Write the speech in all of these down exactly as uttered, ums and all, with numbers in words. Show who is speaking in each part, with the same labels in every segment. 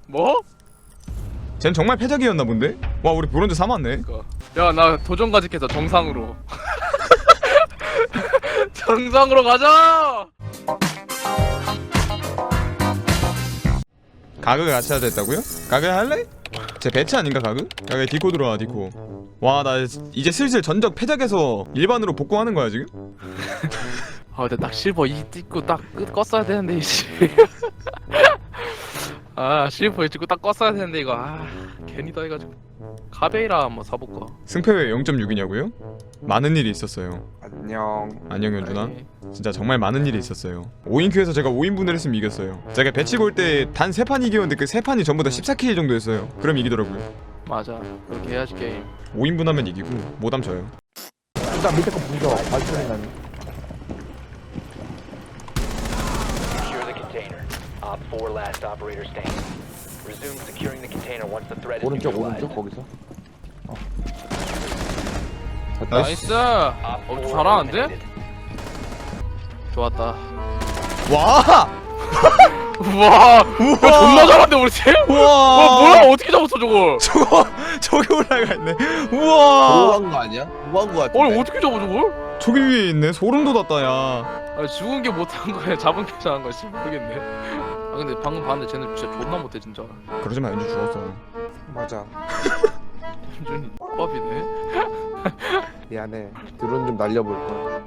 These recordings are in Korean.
Speaker 1: 뭐?
Speaker 2: 쟨 정말 패작이었나 본데? 와 우리 브론즈 삼 왔네.
Speaker 1: 야 나 도전 가직해서 정상으로. 정상으로 가자.
Speaker 2: 가그 같이 하자 했다고요? 가그 할래? 제 배치 아닌가 가그? 가그 디코 들어와 디코. 와 나 이제 슬슬 전적 패작에서 일반으로 복구하는 거야 지금?
Speaker 1: 아 근데 딱 실버 이 찍고 딱 끝 껐어야 되는데 이씨. 아 실버 이 찍고 딱 껐어야 되는데 이거 아 괜히다 해가지고 카베이라 한번 사볼까.
Speaker 2: 승패왜 영 점 육이냐고요? 많은 일이 있었어요.
Speaker 3: 안녕.
Speaker 2: 안녕 연준아.
Speaker 1: 아니,
Speaker 2: 진짜 정말 많은 일이 있었어요. 오 인큐에서 제가 오 인분을 했으면 이겼어요. 제가 배치 볼 때 단 세 판 이겼는데 그 세 판이 전부 다 십사 킬 정도 했어요. 그럼 이기더라고요.
Speaker 1: 맞아 그렇게 해야지 게임.
Speaker 2: 오 인분 하면 이기고 못하면 져요.
Speaker 3: 일단 밑에 거 부숴. 발전이 나는.
Speaker 4: Secure the container. Op four last operator standing. Resume securing the container once the threat is
Speaker 3: 오른쪽
Speaker 4: neutralized.
Speaker 3: 오른쪽 거기서. 어.
Speaker 1: 나이스.
Speaker 4: Op
Speaker 1: 어
Speaker 4: four
Speaker 1: 잘하는데?
Speaker 4: eliminated.
Speaker 1: 좋았다.
Speaker 2: 와!
Speaker 1: 우와.
Speaker 2: 우와!
Speaker 1: 야, 존나 잘한데 우리 팀?
Speaker 2: 우와!
Speaker 1: 와 뭐야 어떻게 잡았어 저걸?
Speaker 2: 저거 저기 올라가 있네. 우와!
Speaker 3: 뭐한 거 아니야? 뭐한 거 같은데.
Speaker 1: 아니 어떻게 잡아 저걸?
Speaker 2: 저기 위에 있네. 소름 돋았다 야.
Speaker 1: 아 죽은 게 못한 거야 잡은 게 잘한 거야 씨 모르겠네. 아 근데 방금 봤는데 쟤는 진짜 존나 못해 진짜.
Speaker 2: 그러지 마 연준 죽었어.
Speaker 3: 맞아.
Speaker 1: 현준이 밥이네.
Speaker 3: 미안해. 드론 좀 날려볼까.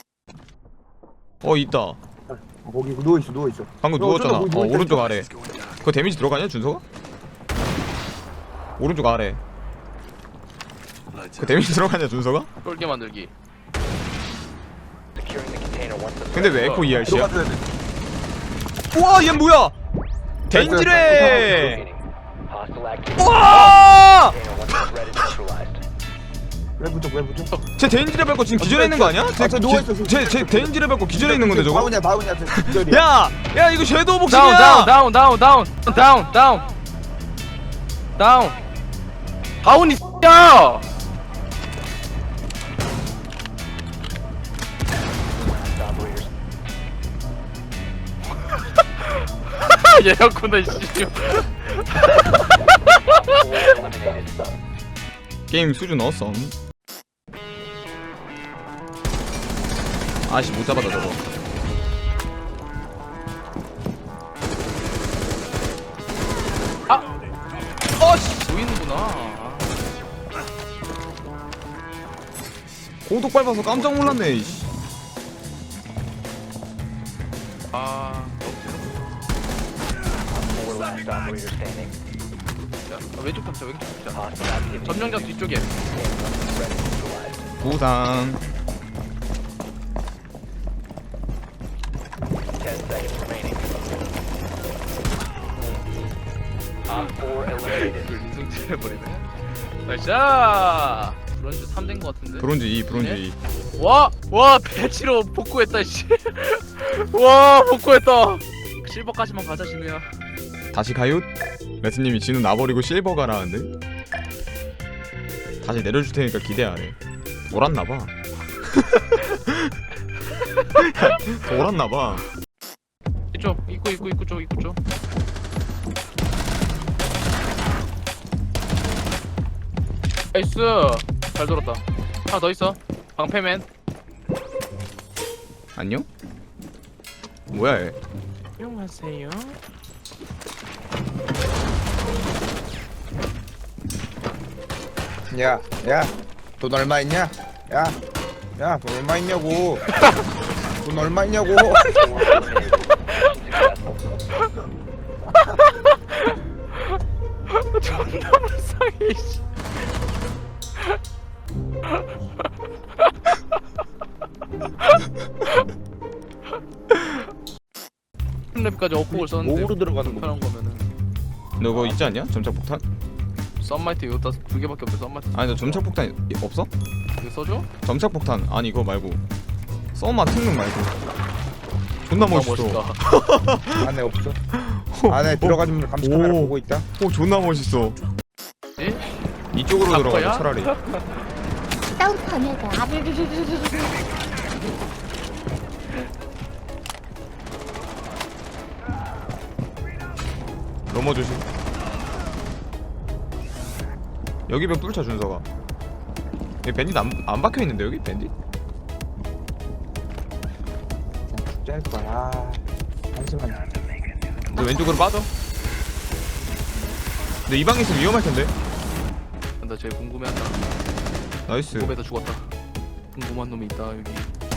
Speaker 2: 어 있다.
Speaker 3: 거기 누워 있어 누워 있어.
Speaker 2: 방금
Speaker 3: 야,
Speaker 2: 누웠잖아.
Speaker 3: 어쩌다
Speaker 2: 어
Speaker 3: 거기 누워
Speaker 2: 오른쪽
Speaker 3: 있어.
Speaker 2: 아래. 그거 데미지 들어가냐 준서가? 오른쪽 아래. 그 데미지 들어가냐 준서가?
Speaker 1: 쫄게 만들기.
Speaker 4: Securing the container once the
Speaker 2: 근데 왜 에코 이알씨야?
Speaker 3: 들어가줘야 돼.
Speaker 2: 우와 얘 뭐야? 데인지레!
Speaker 4: remaining. Hostile activity.
Speaker 2: 우와!
Speaker 4: Container once the threat is neutralized.
Speaker 3: 왜 부족 왜 부족?
Speaker 2: 쟤 데인지레 밟고 지금 기절해 있는 거 아니야?
Speaker 3: 아, 쟤 누워있어, 지금.
Speaker 2: 쟤쟤 데인지레 밟고 기절해 있는 건데 저거?
Speaker 3: 다운이야 다운이야. 기절이야.
Speaker 2: 야! 야 이거 섀도우
Speaker 1: 다운
Speaker 2: 복싱이야!
Speaker 1: 다운 다운 다운 다운 다운 다운 다운 다운이 야!
Speaker 4: Last operators.
Speaker 1: 얘였구나 씨.
Speaker 4: Four eliminated.
Speaker 2: 게임 수준 어썸. 아씨 못 잡았다 저거.
Speaker 1: 어씨 보이는구나.
Speaker 2: 고독 밟아서 깜짝 놀랐네 이씨.
Speaker 1: 아
Speaker 4: Four last operator standing.
Speaker 1: 야, 왼쪽 탑자 왼쪽 탑자.
Speaker 4: Hostile activity.
Speaker 1: 점령장 뒤쪽에.
Speaker 4: Threat is neutralized.
Speaker 2: 부상.
Speaker 4: Ten seconds remaining. Op four eliminated.
Speaker 1: 인승질 해버리네. 나이스. 브론즈 삼 된 거 같은데.
Speaker 2: 브론즈 이 브론즈 이.
Speaker 1: 와! 와 배치로 복구했다 씨. 와 복구했다. 실버까지만 가자 진우야.
Speaker 2: 다시 가요? 레스님이 진우 나버리고 실버 가라는데? 다시 내려줄 테니까 기대 안 해. 돌았나봐. 돌았나봐.
Speaker 1: 이쪽 입구 입구 입구 쪽 입구 쪽. 나이스. 잘 돌았다. 하나 더 있어. 방패맨.
Speaker 2: 안녕? 뭐야 얘?
Speaker 1: 안녕하세요.
Speaker 3: 야, 야, 돈 얼마 있냐? 야, 야, 돈 얼마 있냐고. 돈 얼마 있냐고.
Speaker 4: Four eliminated. Successful.
Speaker 1: 존나 불쌍해 씨. 랩까지 업복을 썼는데
Speaker 3: 목으로 들어가는 거.
Speaker 1: 편한 거면은
Speaker 2: 너 그거 있지 않냐? 점착 폭탄?
Speaker 1: 썬마이트 이거 두 개밖에 없어. 썬마이트
Speaker 2: 아니 너 점착 폭탄 없어?
Speaker 1: 이거 써줘?
Speaker 2: 점착 폭탄 아니 이거 말고 써마 특능 말고 존나 멋있어.
Speaker 1: 멋있다.
Speaker 3: 안에 없어. 안에 들어가면 감시 카메라
Speaker 2: 오.
Speaker 3: 보고 있다.
Speaker 2: 오 존나 멋있어.
Speaker 1: 예?
Speaker 2: 이쪽으로
Speaker 1: 바꿔야?
Speaker 2: 들어가자 차라리.
Speaker 5: 다운판에다 아르르르르르르
Speaker 2: 넘어 조심. 여기 벽 뚫자 준서가. 여기 밴딧 안, 안 박혀있는데 여기 밴딧?
Speaker 3: 짤 거야. 잠시만.
Speaker 2: 너 왼쪽으로 빠져. 근데 이 방에 있으면 위험할 텐데.
Speaker 1: 나 제일 궁금해한다.
Speaker 2: 나이스.
Speaker 1: 궁금해서 죽었다. 궁금한 놈이 있다 여기.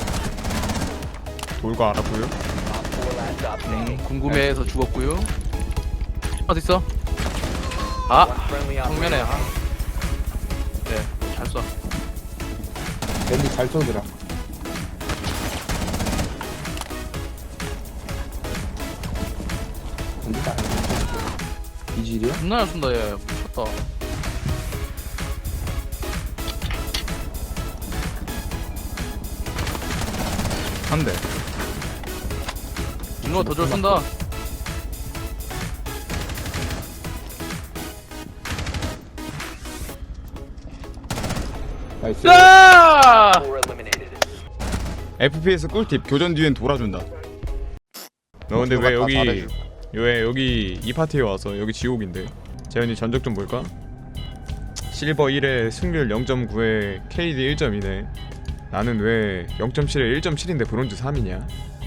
Speaker 2: 돌거 알았고요.
Speaker 4: Op four last stop
Speaker 1: 음,
Speaker 4: standing.
Speaker 1: 궁금해서 죽었고요. 어디 있어? 아,
Speaker 4: One friendly
Speaker 1: 정면에.
Speaker 4: operator.
Speaker 1: 네, 잘 쏴.
Speaker 3: 밴디 잘 쏘더라. 밴디가 이질이야?
Speaker 1: 존나 잘 쏜다 얘. 미쳤다.
Speaker 2: 한 대.
Speaker 1: 윤호가 더 잘 쏜다.
Speaker 3: 나이스.
Speaker 1: 야!
Speaker 4: Four eliminated.
Speaker 2: 에프피에스 꿀팁 교전 뒤엔 돌아준다. 너 근데 왜 여기 왜 여기 이 파티에 와서 여기 지옥인데? 재현이 전적 좀 볼까? 실버 일에 승률 영 점 구에 케이디 일 점 이네. 나는 왜 영 점 칠에 일 점 칠인데 브론즈 삼이냐?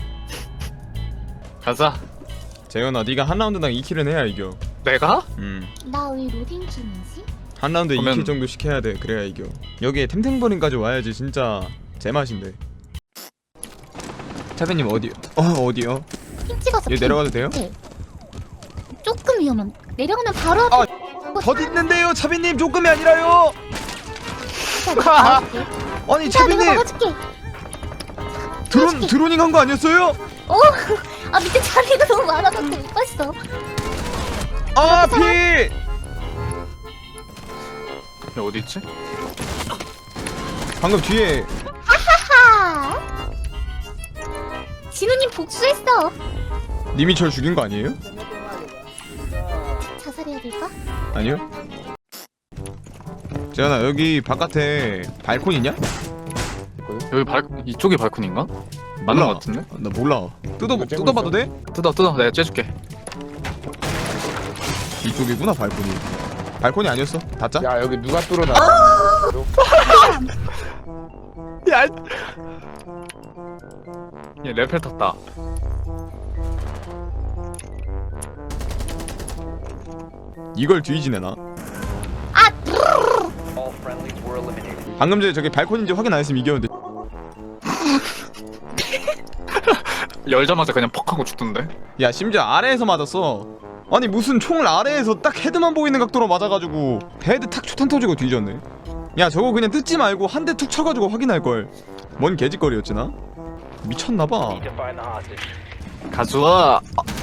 Speaker 1: 가자.
Speaker 2: 재현아 네가 한 라운드당 이 킬은 해야 이겨.
Speaker 1: 내가?
Speaker 2: 음.
Speaker 5: 나 왜 로딩 중이지?
Speaker 2: 한 라운드에
Speaker 1: 그러면-
Speaker 2: 이 킬 정도 시켜야 돼. 그래야 이겨. 여기에 템템버린까지 와야지 진짜 제맛인데. 차배님 어디? 어 어디요?
Speaker 5: 핑 찍어서
Speaker 2: 얘
Speaker 5: 핑.
Speaker 2: 내려가도 돼요?
Speaker 5: 네. 조금 위험한. 내려가면 바로 앞에
Speaker 2: 아, 더 있는데요, 차비님 조금이 아니라요.
Speaker 5: 막아줄게.
Speaker 2: 아니
Speaker 5: 자, 내가
Speaker 2: 차비님
Speaker 5: 막아줄게.
Speaker 2: 드론 드로닝 한 거 아니었어요?
Speaker 5: 어, 아 밑에 자리가 너무 많아서 못 봤어.
Speaker 2: 아 피.
Speaker 1: 얘 어디 있지?
Speaker 2: 방금 뒤에
Speaker 5: 하하. 진우님 복수했어.
Speaker 2: 님이 절 죽인 거 아니에요?
Speaker 5: 자살해야 될까?
Speaker 2: 아니요. 재현아 여기 바깥에 발코니 있냐?
Speaker 1: 여기 발 이쪽이 발코니인가? 맞는
Speaker 2: 몰라.
Speaker 1: 것 같은데?
Speaker 2: 나 몰라. 뜯어
Speaker 3: 이거 째고
Speaker 2: 뜯어봐도
Speaker 3: 있어?
Speaker 2: 돼?
Speaker 1: 뜯어 뜯어 내가 째줄게.
Speaker 2: 이쪽이구나 발코니. 발코니 아니었어? 닫자.
Speaker 3: 야 여기 누가 뚫어놔?
Speaker 1: 야. 얘 레펠 탔다.
Speaker 2: 이걸 뒤지네 나.
Speaker 4: All friendlies were eliminated.
Speaker 2: 방금 전에 저기 발코니인지 확인 안 했으면 이겼는데.
Speaker 1: 열자마자 그냥 퍽 하고 죽던데.
Speaker 2: 야 심지어 아래에서 맞았어. 아니 무슨 총을 아래에서 딱 헤드만 보이는 각도로 맞아가지고 헤드 탁 초탄 터지고 뒤졌네. 야 저거 그냥 뜯지 말고 한 대 툭 쳐가지고 확인할걸. 뭔 개짓거리였지 나? 미쳤나봐.
Speaker 4: Need to find the hostage.
Speaker 1: 가수아.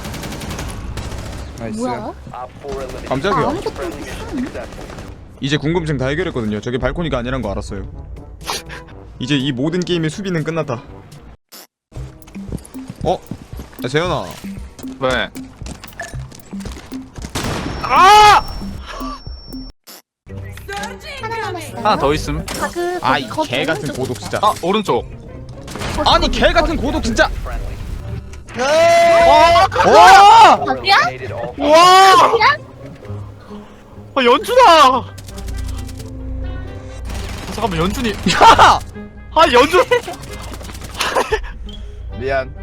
Speaker 3: 나이스.
Speaker 5: 뭐야?
Speaker 4: Op four eliminated.
Speaker 2: 깜짝이야.
Speaker 5: 아무것도
Speaker 4: Friendly mission successful.
Speaker 2: 이제 궁금증 다 해결했거든요. 저게 발코니가 아니란 거 알았어요. 이제 이 모든 게임의 수비는 끝났다. 어? 야 재현아
Speaker 1: 왜? 아!
Speaker 5: 하나 남았어요.
Speaker 1: 하나 더 있음.
Speaker 5: 가그
Speaker 2: 아이
Speaker 5: 거기
Speaker 2: 개 같은
Speaker 5: 오른쪽.
Speaker 2: 고독 진짜.
Speaker 1: 아 오른쪽.
Speaker 5: 거기,
Speaker 2: 아니
Speaker 5: 거기,
Speaker 2: 개 같은
Speaker 5: 거기.
Speaker 2: 고독 진짜.
Speaker 4: Friendly.
Speaker 2: 와!
Speaker 5: 거기야?
Speaker 4: Eliminated all friendlies.
Speaker 1: 와! 아 연준아! 아, 잠깐만 연준이.
Speaker 2: 야!
Speaker 1: 아 연준.
Speaker 3: 미안.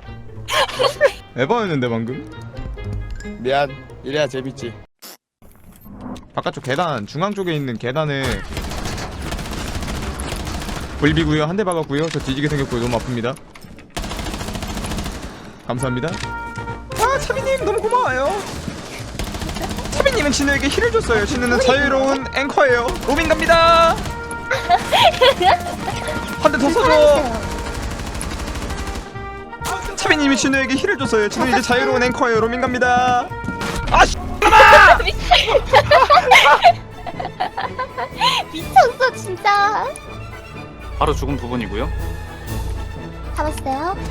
Speaker 2: 에바였는데 방금.
Speaker 3: 미안. 이래야 재밌지.
Speaker 2: 바깥쪽 계단 중앙 쪽에 있는 계단에 불비구요. 한 대 박았고요. 저 뒤지게 생겼고요. 너무 아픕니다. 감사합니다. 아 차비님 너무 고마워요. 차비님은 진우에게 힐을 줬어요. 진우는 자유로운 앵커예요. 로빈 갑니다. 한 대 더 써줘. 차비님이 진우에게 힐을 줬어요. 진우 이제 자유로운 앵커예요. 로빈 갑니다. 아 씨.
Speaker 5: 미쳤어 진짜.
Speaker 1: 바로 죽은 부분이고요.
Speaker 5: 잡았어요.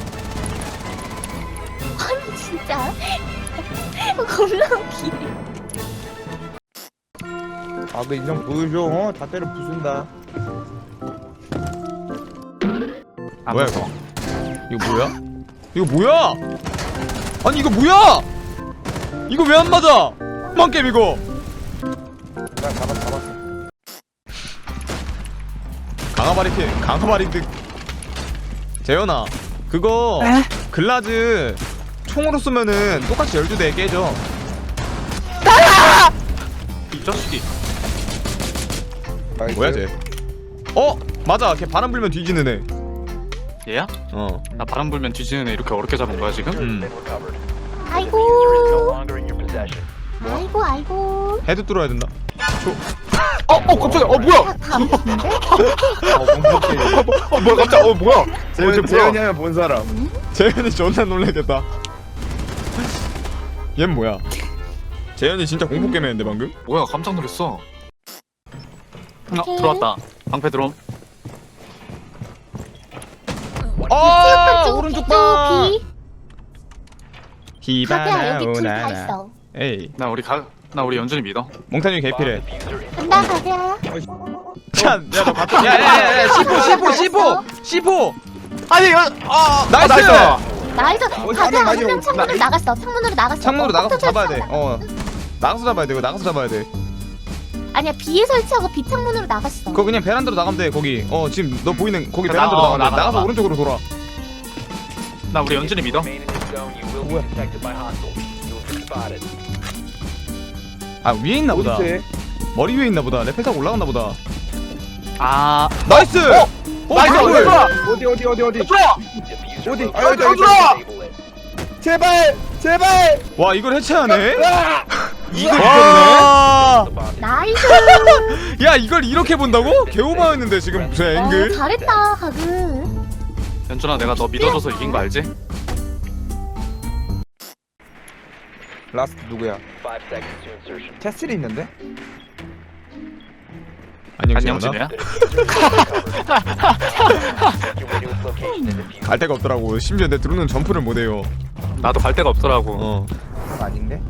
Speaker 5: 아니 진짜 겁나 웃기네.
Speaker 3: 아그 인정 보여줘. 어? 다 때려 부순다.
Speaker 1: 아,
Speaker 2: 뭐야
Speaker 1: 무서워.
Speaker 2: 이거? 이거 뭐야? 이거 뭐야? 아니 이거 뭐야? 이거 왜 안 맞아? 망게임 이거.
Speaker 3: 나 잡았 잡았어.
Speaker 2: 강화바리티 강화바리드 재현아 그거 글라즈 총으로 쏘면은 똑같이 열두 대 깨져.
Speaker 6: 이 자식이.
Speaker 3: 나이스.
Speaker 2: 뭐야 쟤? 어 맞아 걔 바람 불면 뒤지는 애.
Speaker 6: 얘야?
Speaker 2: 어.
Speaker 6: 나 바람 불면 뒤지는 애 이렇게 어렵게 잡은 거야 지금?
Speaker 2: 음.
Speaker 4: Been recovered.
Speaker 5: 아이고.
Speaker 4: Diffuser is no longer in your possession.
Speaker 5: 아이고 아이고.
Speaker 2: 헤드 뚫어야 된다.
Speaker 1: 어, 어, 깜짝이야. 어, 뭐야?
Speaker 5: 다음인데?
Speaker 3: 어 공포 게임.
Speaker 1: 어, 뭐야, 깜짝. 어, 뭐야?
Speaker 3: 재현
Speaker 1: 쟤 뭐야?
Speaker 3: 재현이 하면 본 사람.
Speaker 2: 재현이 존나 놀라겠다. 얜 뭐야? 재현이 진짜 공포 게임 했는데 방금?
Speaker 6: 뭐야 깜짝 놀랐어. 어
Speaker 5: 오케이.
Speaker 6: 들어왔다. 방패 들어옴.
Speaker 2: 아
Speaker 5: 쭉,
Speaker 2: 오른쪽
Speaker 5: 쭉,
Speaker 2: 봐.
Speaker 5: 비. 가비야
Speaker 2: 히바나
Speaker 5: 여기 둘 다
Speaker 2: 오나나.
Speaker 5: 있어.
Speaker 2: 에이
Speaker 6: 나 우리 가, 나 우리 연준이 믿어.
Speaker 2: 몽타뉴 개필해.
Speaker 4: Diffuser is
Speaker 5: 간다 가비야.
Speaker 2: 야너 갔다.
Speaker 1: 야야야야, 씨포, 씨포, 씨포, 씨포. 아니, 이거, 아,
Speaker 2: 나이스!
Speaker 5: 나이스.
Speaker 3: 어,
Speaker 5: 가비야
Speaker 3: 맞아.
Speaker 5: 한명 창문으로 나갔어. 창문으로 나갔어.
Speaker 2: 창문으로
Speaker 5: 어,
Speaker 2: 나가서
Speaker 5: 컴퓨터
Speaker 2: 잡아야 돼.
Speaker 5: 창문.
Speaker 2: 어 나가서 잡아야 돼. 이거 나가서 잡아야 돼.
Speaker 5: 아니야 비에 설치하고 비 창문으로 나갔어.
Speaker 2: 그거 그냥 베란다로 나가면 돼. 거기. 어 지금 너 보이는 거기
Speaker 6: 나-
Speaker 2: 베란다로
Speaker 6: 어,
Speaker 2: 나가면 돼.
Speaker 6: 나가,
Speaker 2: 나가서
Speaker 6: 나가.
Speaker 2: 오른쪽으로 돌아.
Speaker 6: 나 우리 연준이 믿어.
Speaker 4: remain in this zone. You will be detected by hostiles. You will be spotted.
Speaker 2: 아 위에 있나 보다.
Speaker 3: 어디서?
Speaker 2: 머리 위에 있나 보다. 레펠 타고 올라갔나 보다.
Speaker 6: 아
Speaker 2: 나이스! 어,
Speaker 1: 나이스,
Speaker 2: 뭐야, 뭐야.
Speaker 1: 들어와.
Speaker 3: 어디 어디 어디 어디?
Speaker 1: 들어와.
Speaker 4: Diffuser
Speaker 3: 어디?
Speaker 4: located.
Speaker 3: 아, 여기, 여기,
Speaker 4: Disable it.
Speaker 3: 제발 제발.
Speaker 2: 와 이걸 해체하네?
Speaker 3: 이걸
Speaker 2: 와!
Speaker 4: The bomb
Speaker 5: 나이스.
Speaker 2: 야 이걸 이렇게 본다고? 개오마였는데 지금 저
Speaker 5: 어,
Speaker 2: 앵글.
Speaker 5: 잘했다 가그.
Speaker 6: 연준아 내가 너 믿어줘서 이긴 거 알지?
Speaker 3: 라스트 누구야?
Speaker 4: Five seconds to insertion.
Speaker 3: 캐슬이 있는데?
Speaker 2: 안녕
Speaker 6: 안녕
Speaker 2: 지현아.
Speaker 6: 진우야.
Speaker 4: The diffuser is recovered. Make your way to its location and defuse.
Speaker 2: 갈 데가 없더라고. 심지어 내 드론은 점프를 못해요.
Speaker 6: 나도 갈 데가 없더라고.
Speaker 2: 어.
Speaker 3: 그건 아닌데?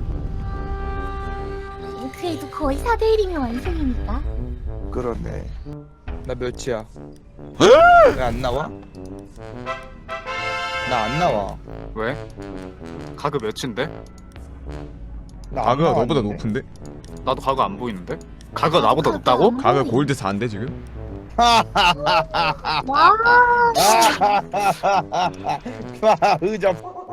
Speaker 5: 그래도 거의 사 대 일이면 완승이니까.
Speaker 3: 그러네. 나 몇이야? 왜 안 나와? 나 안 나와.
Speaker 6: 왜? 가그 몇인데?
Speaker 3: 나안
Speaker 2: 가그가 너보다
Speaker 3: 나왔는데?
Speaker 2: 높은데?
Speaker 6: 나도 가그 안 보이는데? 가그가 나보다 높다고?
Speaker 2: 가그 골드 사인데 지금?
Speaker 5: 와.
Speaker 3: 의점.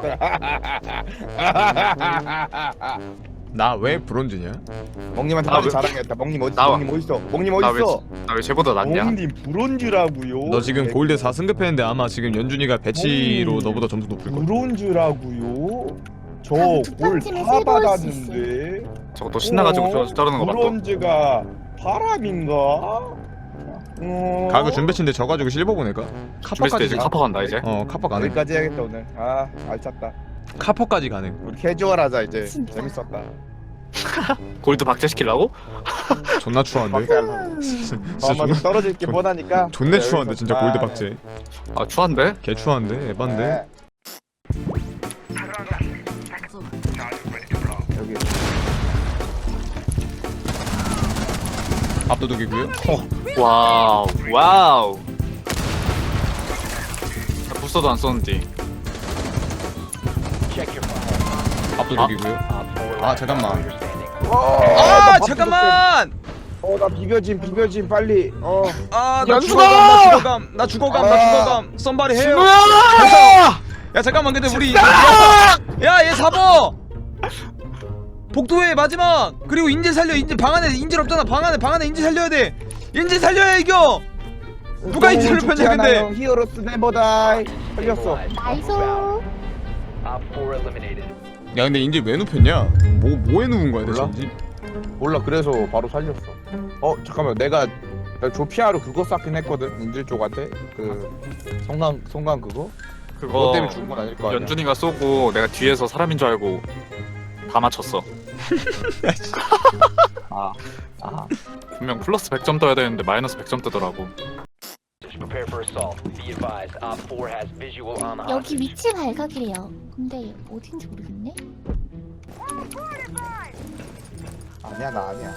Speaker 2: 나 왜 브론즈냐?
Speaker 3: 멍님한테
Speaker 6: 나
Speaker 3: 빨리
Speaker 6: 왜-
Speaker 3: 자랑했다. 멍님 어디?
Speaker 6: 나와.
Speaker 3: 멍님 어디 있어? 멍님
Speaker 6: 나
Speaker 3: 어디
Speaker 6: 왜,
Speaker 3: 있어?
Speaker 6: 나 왜 쟤보다 낫냐?
Speaker 3: 멍님 브론즈라고요.
Speaker 2: 너 지금 골드 사 승급했는데 아마 지금 연준이가 배치로
Speaker 3: 음.
Speaker 2: 너보다 점수 높을 거야.
Speaker 3: 브론즈라고요? 저
Speaker 5: 그럼 두
Speaker 3: 골
Speaker 5: 번쯤에
Speaker 3: 다
Speaker 5: 세 번 수
Speaker 3: 받았는데.
Speaker 6: 저거 또 신나가지고
Speaker 3: 어?
Speaker 6: 저 저러는 거 맞다.
Speaker 3: 브론즈가 바람인가? 어...
Speaker 2: 가그 준배치인데 져가지고 실버 보낼까?
Speaker 6: 준비했을 때
Speaker 2: 카퍼까지
Speaker 6: 이제
Speaker 2: 가.
Speaker 6: 카퍼 간다 이제.
Speaker 2: 어 카퍼 가능.
Speaker 3: 여기까지 해야겠다 오늘. 아 알찼다.
Speaker 2: 카퍼까지 가능.
Speaker 3: 우리 캐주얼하자 이제.
Speaker 5: 진짜.
Speaker 3: 재밌었다.
Speaker 6: 골드 박제시키려고?
Speaker 2: 존나 추한데.
Speaker 3: 박제하려고.
Speaker 2: 진짜
Speaker 3: 아마
Speaker 2: 존나
Speaker 3: 떨어질 게
Speaker 2: 존-
Speaker 3: 뻔하니까.
Speaker 2: 존내 추한데 진짜
Speaker 3: 아,
Speaker 2: 골드 박제.
Speaker 6: 아 추한데?
Speaker 2: 개 추한데 에반데.
Speaker 3: 네. 여기
Speaker 2: 압도적이고요.
Speaker 6: 와우 와우. 나 부스터도 안 썼는데.
Speaker 4: Check your file.
Speaker 2: 압도적이고요.
Speaker 4: Op four
Speaker 2: 아,
Speaker 4: last
Speaker 2: 잠깐만.
Speaker 4: operator standing.
Speaker 2: 아 잠깐만.
Speaker 3: 어나 비벼짐 비벼짐 빨리. 어.
Speaker 2: 아나
Speaker 1: 연수가!
Speaker 2: 죽어감 나 죽어감 나 죽어감 나
Speaker 3: 아.
Speaker 2: 죽어감. 썸바리 해요.
Speaker 1: 뭐야?
Speaker 2: 야 잠깐만 근데 우리 야얘 사버 복도의 마지막 그리고 인질 살려 인질 방 안에 인질 없잖아 방 안에 방 안에 인질 살려야 돼 인질 살려야 이겨 누가 인질을 폈냐 근데
Speaker 3: 히어로스 네버다이 살렸어.
Speaker 5: 나이스.
Speaker 4: Op four eliminated.
Speaker 2: 야 근데 인질 왜 눕혔냐 뭐 뭐에 누운 거야 대체
Speaker 3: 몰라?
Speaker 2: 인질
Speaker 3: 몰라 그래서 바로 살렸어. 어 잠깐만 내가 나 조피아로 그거 쐈긴 했거든 인질 쪽한테 그 성강 성강 그거 그거
Speaker 6: 그거
Speaker 3: 때문에 죽은 건 아닐 거 아니야.
Speaker 6: 연준이가 쏘고 내가 뒤에서 사람인 줄 알고 다 맞췄어.
Speaker 3: 아, 아.
Speaker 6: 분명 플러스 백 점 떠야 되는데 마이너스 백 점 뜨더라고.
Speaker 4: Prepare for assault. Be advised. Op four has visual on the
Speaker 5: 여기
Speaker 4: hostage.
Speaker 5: 위치 발각이래요. 근데 어딘지 모르겠네.
Speaker 3: 아니야 나 아니야.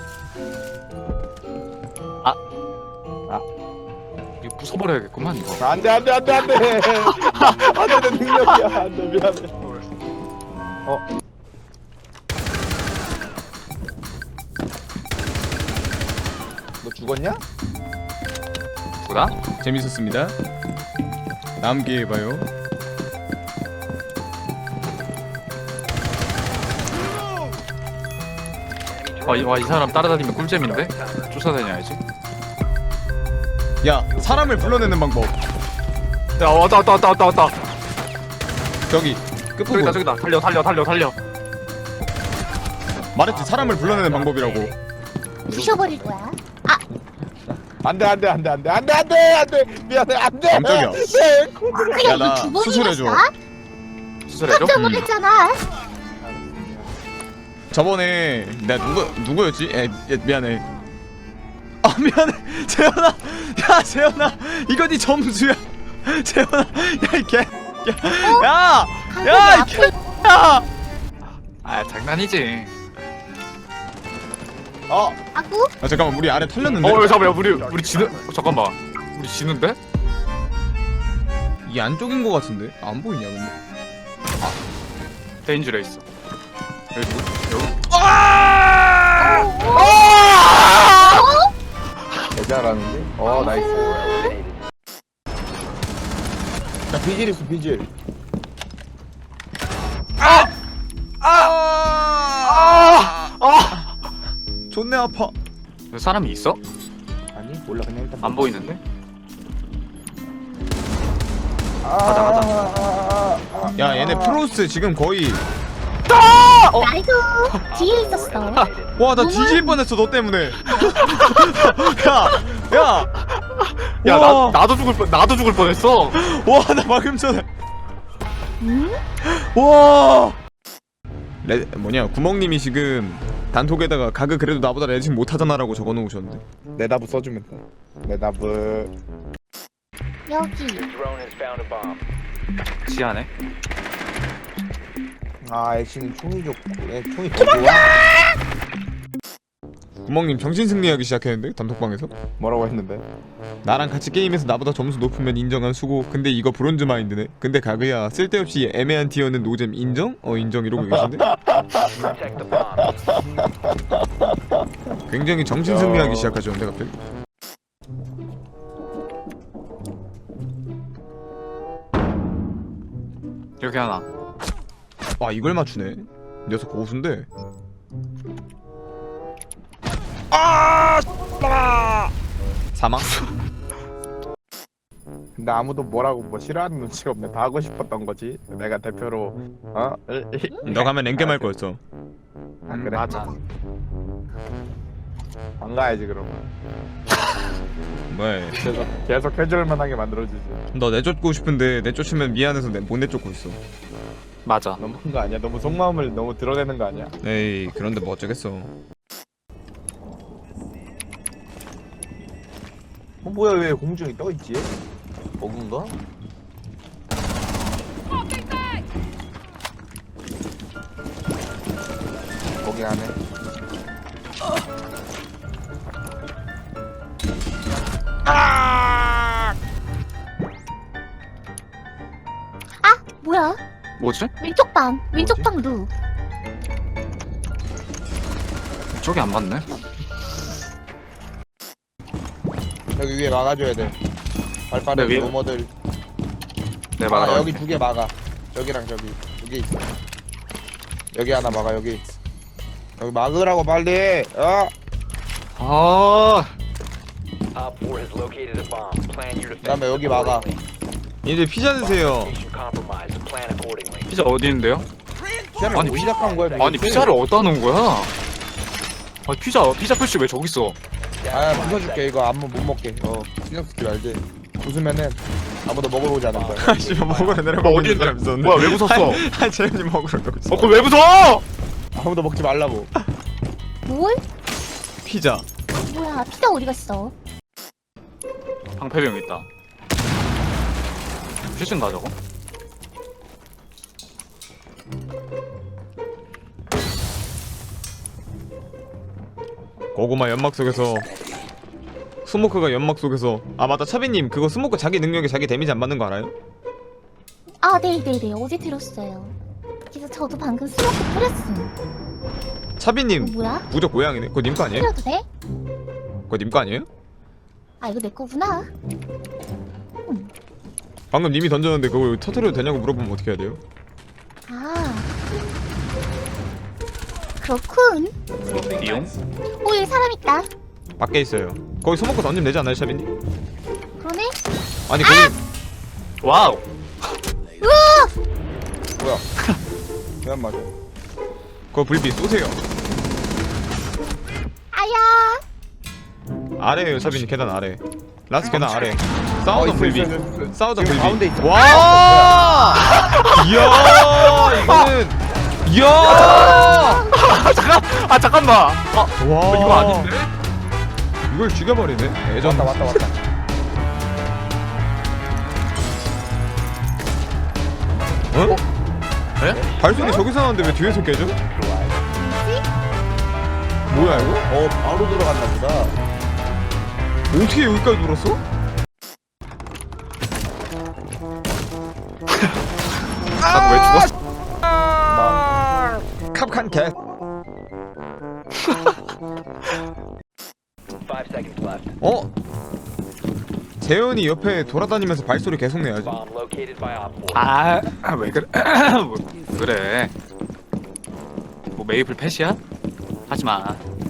Speaker 6: 이거 부숴버려야겠구만 이거.
Speaker 3: 안돼 안돼 안돼 안돼 안돼 내 능력이야 안돼 미안해. 어 죽었냐?
Speaker 6: 뭐다?
Speaker 2: 재밌었습니다. 다음 기회에 봐요.
Speaker 6: 와이 와, 이 사람 따라다니면 꿀잼인데? 쫓아다녀야지.
Speaker 2: 야, 사람을 불러내는 방법.
Speaker 6: 야 왔다 왔다 왔다 왔다 왔다.
Speaker 2: 저기 끝부분.
Speaker 6: 저기다 저기다. 달려 달려 달려 달려.
Speaker 2: 말했지, 사람을 불러내는 방법이라고.
Speaker 5: 부셔버릴 거야.
Speaker 3: 안돼 안돼 안돼 안돼 안돼 안돼 안돼 미안해 안돼.
Speaker 2: 깜짝이야.
Speaker 5: 그냥
Speaker 2: 야, 나
Speaker 5: 이거 두 번이나
Speaker 2: 수술해줘.
Speaker 5: 쏴?
Speaker 6: 수술해줘?
Speaker 5: 깜짝
Speaker 2: 음.
Speaker 5: 놀랐잖아.
Speaker 2: 저번에 내가 누구 누구였지? 에, 에 미안해. 아 미안해. 재현아. 야 재현아. 이거 네 점수야. 재현아. 야이 개. 야. 야. 야, 이 개. 야.
Speaker 6: 아 장난이지.
Speaker 3: 어
Speaker 5: 아구?
Speaker 2: 아 잠깐만, 우리 아래 털렸는데.
Speaker 6: 어 잠깐만 우리 우리 지는 어, 잠깐만 우리 지는데?
Speaker 2: 이 안쪽인 거 같은데. 안 보이냐 근데.
Speaker 6: 데인지레 있어. 여기 누구? 여기.
Speaker 3: 개잘하는데. 어 나이스.
Speaker 4: Eliminated.
Speaker 3: 야 비질 있어 비질.
Speaker 2: 존내 아파.
Speaker 6: 여기 사람이 있어?
Speaker 3: 아니 몰라 그냥 일단.
Speaker 6: 안 보이는데?
Speaker 3: 가자
Speaker 6: 가자.
Speaker 2: 야 얘네 프로스 지금 거의.
Speaker 5: 나이도 뒤에 있었어.
Speaker 2: 와 나 뒤질 뻔했어 너 때문에. 야. 야.
Speaker 6: 야
Speaker 2: 우와.
Speaker 6: 나 나도 죽을 뻔 나도 죽을 뻔했어.
Speaker 2: 와 나 방금 전에.
Speaker 5: 음?
Speaker 2: 와. 레 뭐냐 구멍님이 지금 단톡에다가 가그 그래도 나보다 레진 못하잖아라고 적어놓으셨는데.
Speaker 3: 내답을 써주면 돼. 내답을.
Speaker 5: 여기.
Speaker 4: Your drone has found a bomb.
Speaker 6: 지하네.
Speaker 3: 아 액션이 총이 좋고 애 총이 더 좋아?
Speaker 2: 구멍님 정신 승리하기 시작했는데 단톡방에서.
Speaker 3: 뭐라고 했는데?
Speaker 2: 나랑 같이 게임에서 나보다 점수 높으면 인정한 수고. 근데 이거 브론즈 마인드네. 근데 가그야 쓸데없이 애매한 티어는 노잼 인정? 어 인정 이러고 계신데.
Speaker 4: Protect the bomb.
Speaker 2: 굉장히 정신 승리하기 시작하셨는데 갑자기.
Speaker 6: 여기 하나.
Speaker 2: 아 이걸 맞추네. 녀석 고수인데. 아! 사망?
Speaker 3: 근데 아무도 뭐라고 뭐 싫어하는 눈치가 없네. 다 하고 싶었던 거지. 내가 대표로 어?
Speaker 2: 너 가면 랭겜 할 거였어.
Speaker 3: 아,
Speaker 6: 음,
Speaker 3: 그래?
Speaker 6: 맞아.
Speaker 3: 안 가야지 그러면.
Speaker 2: 왜?
Speaker 3: 계속 계속 캐주얼만하게 만들어주지.
Speaker 2: 너 내쫓고 싶은데 내쫓으면 미안해서 내, 못 내쫓고 있어.
Speaker 6: 맞아.
Speaker 3: 너무한 거 아니야? 너무 속마음을 너무 드러내는 거 아니야?
Speaker 2: 에이 그런데 뭐 어쩌겠어.
Speaker 3: 어 뭐야 왜 공중에 떠 있지? 버그인가? 거기 안에.
Speaker 5: 아 뭐야?
Speaker 6: 뭐지?
Speaker 5: 왼쪽 방. 왼쪽
Speaker 3: 뭐지?
Speaker 5: 방 누.
Speaker 6: 저기 안 맞네.
Speaker 3: 여기 위에 막아줘야 돼. 발빠른
Speaker 6: 네, 위에?
Speaker 3: 로머들.
Speaker 6: 네
Speaker 3: 아,
Speaker 6: 맞아.
Speaker 3: 여기 두 개 막아. 저기랑 저기 두 개 있어. 여기 하나 막아 여기. 여기 막으라고 빨리. 어?
Speaker 6: 아.
Speaker 4: Op four has located a bomb. Plan your defense.
Speaker 3: 그다음에 여기 막아.
Speaker 2: 이제 피자 드세요.
Speaker 4: Location compromised. Plan accordingly.
Speaker 6: 피자 어디 있는데요?
Speaker 3: 피자를
Speaker 6: 아니,
Speaker 3: 어디 시작한 거야?
Speaker 6: 아니
Speaker 3: 도대체?
Speaker 6: 피자를 어디다 놓은 거야? 아니 피자 피자 표시 왜 저기 있어?
Speaker 3: 아 부숴줄게 이거 아무 못 먹게. 어 신경 쓰지 말지. 웃으면은 아무도 먹으러 오지 않을 거야.
Speaker 2: 씨발 먹으러 내려가.
Speaker 6: 뭐 어디 있는데? 뭐야 왜 웃었어?
Speaker 2: 아 재현이 먹으러 가고 있어.
Speaker 6: 어 그걸 왜 웃어?
Speaker 3: 아무도 먹지 말라고.
Speaker 5: 뭘?
Speaker 2: 피자.
Speaker 5: 뭐야? 피자 어디 갔어?
Speaker 6: 방패병 있다. 퓨즈인가 저거?
Speaker 2: 고구마 연막 속에서 스모크가 연막 속에서. 아 맞다 차비님 그거 스모크 자기 능력에 자기 데미지 안 맞는 거 알아요?
Speaker 5: 아 네네네 어제 들었어요. 그래서 저도 방금 스모크 뿌렸음.
Speaker 2: 차비님
Speaker 5: 이거 뭐야?
Speaker 2: 무적 고양이네. 그거 님 거 아니에요?
Speaker 5: 뿌려도 돼?
Speaker 2: 그거 님 거 아니에요?
Speaker 5: 아 이거 내 거구나.
Speaker 2: 방금 님이 던졌는데 그거 터트려도 되냐고 물어보면 어떻게 해야 돼요?
Speaker 5: 아 그렇군.
Speaker 6: 이용?
Speaker 5: 오 여기 사람 있다.
Speaker 2: 밖에 있어요. 거기 소먹고 던지면 되지 않나요, 샤빈님?
Speaker 5: 그러네.
Speaker 2: 아니 거기
Speaker 6: 와우.
Speaker 3: 뭐야? 그냥 맞아.
Speaker 2: 그거 불빛 쏘세요.
Speaker 5: 아야.
Speaker 2: 아래에요, 샤빈님. 계단 아래. 라스 계단 아래.
Speaker 3: 어,
Speaker 2: 싸우던
Speaker 3: 있어,
Speaker 2: 불빛.
Speaker 3: 있어, 있어, 있어.
Speaker 2: 싸우던
Speaker 3: 지금
Speaker 2: 불빛.
Speaker 3: 가운데 있어.
Speaker 2: 와! 이야! 이거는 이야!
Speaker 6: 아 잠깐. 아 잠깐만. 아
Speaker 2: 와!
Speaker 6: 이거 아닌데?
Speaker 2: 이걸 죽여버리네. 예전
Speaker 3: 왔다 왔다 왔다.
Speaker 2: 어?
Speaker 6: 에?
Speaker 2: 발소리 저기서 나는데 왜 뒤에서 깨져?
Speaker 5: 뭐지?
Speaker 2: 뭐야 이거?
Speaker 3: 어 바로 들어갔나 보다.
Speaker 2: 어떻게 여기까지 돌았어?
Speaker 6: 난왜 죽었어?
Speaker 3: 나
Speaker 2: 캅칸 캣.
Speaker 4: Five seconds left.
Speaker 2: 어? 재현이 옆에 돌아다니면서 발소리 계속 내야지.
Speaker 4: Bomb located by Op four.
Speaker 6: 아왜 그래? 뭐 그래? 뭐 메이플 펫이야? 하지 마.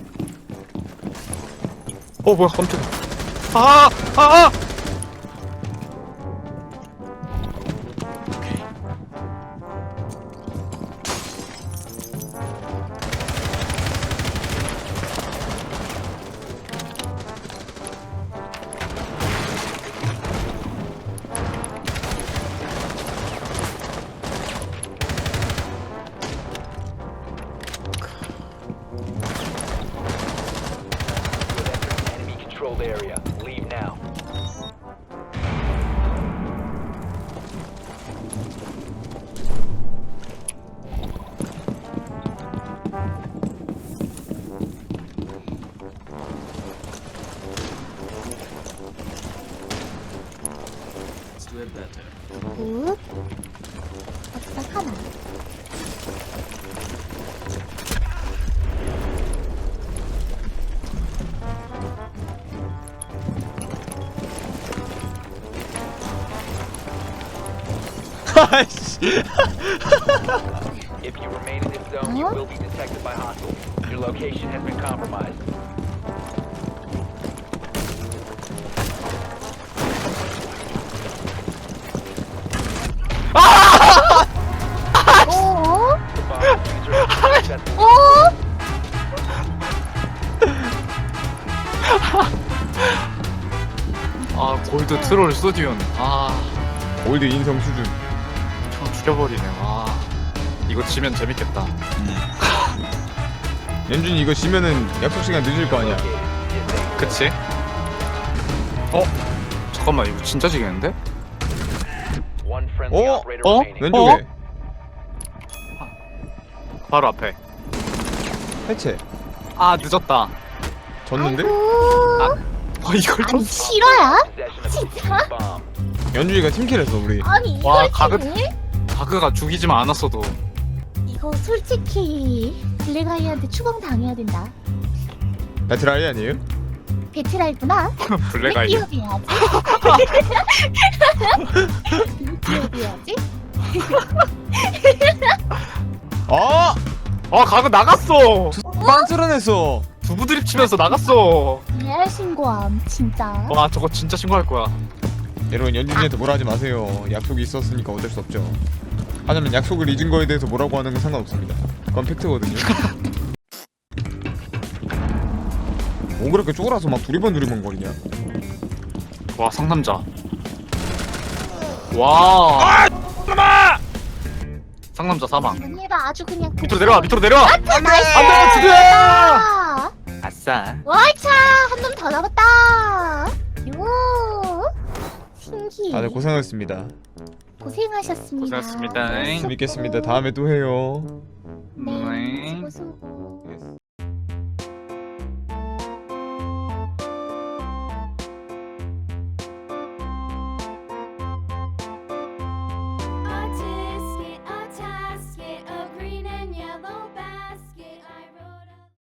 Speaker 6: 어 뭐야 깜짝이야. 아! 아! 아! 오케이.
Speaker 4: Enemy controlled area. Leave now.
Speaker 5: 굿. 어디서 하나.
Speaker 2: 아이씨.
Speaker 4: If you remain in this zone, you will be detected by hostiles. Your location has been compromised.
Speaker 5: 오.
Speaker 4: The bomb diffuser has been successfully
Speaker 5: 오.
Speaker 6: 아 골드 트롤 스튜디온. 아
Speaker 2: 올드 인성 수준.
Speaker 6: 형 죽여버리네. 와 이거 지면 재밌겠다.
Speaker 2: 연준이 이거 지면은 약속 시간 늦을 거 아니야.
Speaker 6: 그치? 어? 잠깐만 이거 진짜 지겠는데?
Speaker 4: one friendly
Speaker 2: 어?
Speaker 4: operator
Speaker 6: 어?
Speaker 4: remaining.
Speaker 2: 왼쪽에
Speaker 6: 바로 앞에.
Speaker 2: 해체.
Speaker 6: 아 늦었다.
Speaker 2: 졌는데?
Speaker 5: 아이고.
Speaker 6: 어 이걸
Speaker 5: 아니
Speaker 6: 좀.
Speaker 5: 실화야?
Speaker 4: Possession of
Speaker 5: 진짜?
Speaker 4: bomb.
Speaker 2: 연준이가 팀킬했어 우리.
Speaker 5: 아니
Speaker 6: 와,
Speaker 5: 이걸
Speaker 6: 가급-
Speaker 5: 지네?
Speaker 6: 바그가 죽이지만 않았어도.
Speaker 5: 이거 솔직히 블랙아이한테 추방 당해야 된다.
Speaker 2: 배틀아이 아니에요?
Speaker 5: 베트랄구나.
Speaker 6: 블랙아이.
Speaker 5: 기업해야지. 기업해야지.
Speaker 2: 아!
Speaker 6: 아 가그 나갔어.
Speaker 2: 빤스런했어.
Speaker 6: 두부 드립 치면서 나갔어.
Speaker 5: 레알 신고함 진짜.
Speaker 6: 와 저거 진짜 신고할 거야.
Speaker 2: 여러분 연준이한테 뭐라 하지 마세요. 약속이 있었으니까 어쩔 수 없죠. 하지만 약속을 잊은 거에 대해서 뭐라고 하는 건 상관없습니다. 그건 팩트거든요. 뭐 그렇게 쪼그라서 막 두리번 두리번 거리냐?
Speaker 6: 와 상남자. 와. 상남자 사망.
Speaker 5: 지금 해봐 아주 그냥.
Speaker 6: 밑으로 내려와 밑으로 내려와.
Speaker 5: 나이스.
Speaker 6: 안돼 두개.
Speaker 5: 아,
Speaker 6: 아싸.
Speaker 5: 와이차 한 놈 더 남았다. 요. 신기.
Speaker 2: 다들 고생하셨습니다.
Speaker 5: 고생하셨습니다.
Speaker 6: 고생하셨습니다.
Speaker 5: 수고.
Speaker 2: 재밌겠습니다. 다음에 또 해요.
Speaker 5: 네.
Speaker 6: 네.
Speaker 5: 수고 수고.